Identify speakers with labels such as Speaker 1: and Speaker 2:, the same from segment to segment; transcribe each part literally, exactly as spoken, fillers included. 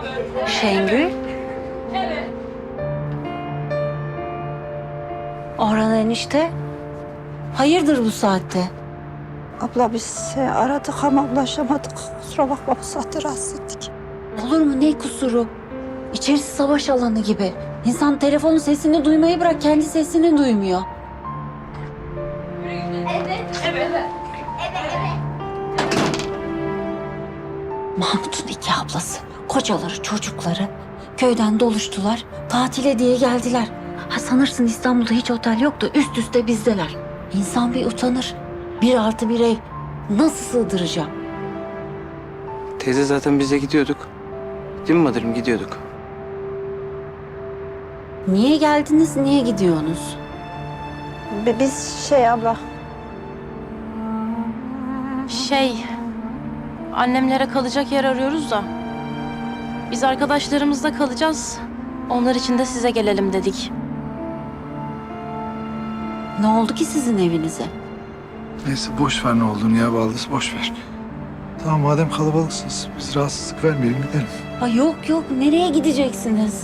Speaker 1: Şengül. Orhan enişte. Hayırdır bu saatte?
Speaker 2: Abla biz seni aradık ama ulaşamadık. Kusura bakma bu saatte rahatsız ettik.
Speaker 1: Olur mu ne kusuru? İçerisi savaş alanı gibi. İnsan telefonun sesini duymayı bırak kendi sesini duymuyor. Mahmut'un iki ablası, kocaları, çocukları köyden doluştular. Tatile diye geldiler. Ha sanırsın İstanbul'da hiç otel yoktu. Üst üste bizdeler. İnsan bir utanır. Bir artı bir ev. Nasıl sığdıracağım?
Speaker 3: Teyze zaten biz de gidiyorduk. Değil mi Madır'ım, gidiyorduk.
Speaker 1: Niye geldiniz, niye gidiyorsunuz?
Speaker 2: Bi- Biz şey abla,
Speaker 4: Şey, annemlere kalacak yer arıyoruz da. Biz arkadaşlarımızla kalacağız. Onlar için de size gelelim dedik.
Speaker 1: Ne oldu ki sizin evinize?
Speaker 5: Neyse boş ver ne olduğunu ya Baldız, boş ver. Tamam madem kalabalıksınız biz rahatsızlık vermeyelim gidelim.
Speaker 1: Ha yok yok, nereye gideceksiniz?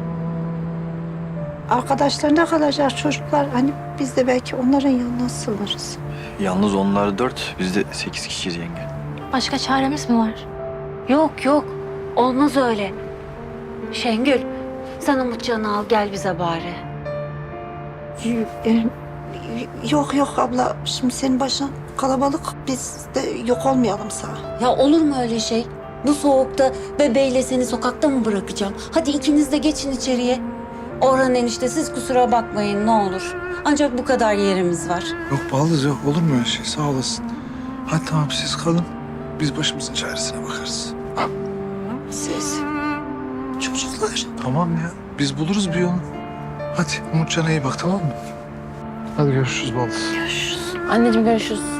Speaker 2: arkadaşlarına kalacak çocuklar. Hani biz de belki onların yanına sığınırız.
Speaker 6: Yalnız onlar dört, biz de sekiz kişiyiz yenge.
Speaker 4: Başka çaremiz mi var?
Speaker 1: Yok yok, olmaz öyle. Şengül, sen Umutcan'ı al gel bize bari.
Speaker 2: Y- e, Yok yok abla, şimdi senin başın kalabalık. Biz de yok olmayalım sana.
Speaker 1: Ya olur mu öyle şey? Bu soğukta bebeğiyle seni sokakta mı bırakacağım? Hadi ikiniz de geçin içeriye. Orhan enişte siz kusura bakmayın ne olur. Ancak bu kadar yerimiz var.
Speaker 5: Yok Baldız yok, olur mu öyle şey, sağ olasın. Hadi tamam siz kalın, biz başımızın çaresine bakarız. Ha,
Speaker 2: Siz çocuklar.
Speaker 5: tamam ya, biz buluruz bir yolunu. Hadi Umutcan'a iyi bak, tamam mı? Hadi görüşürüz Baldız.
Speaker 4: Anneciğim görüşürüz.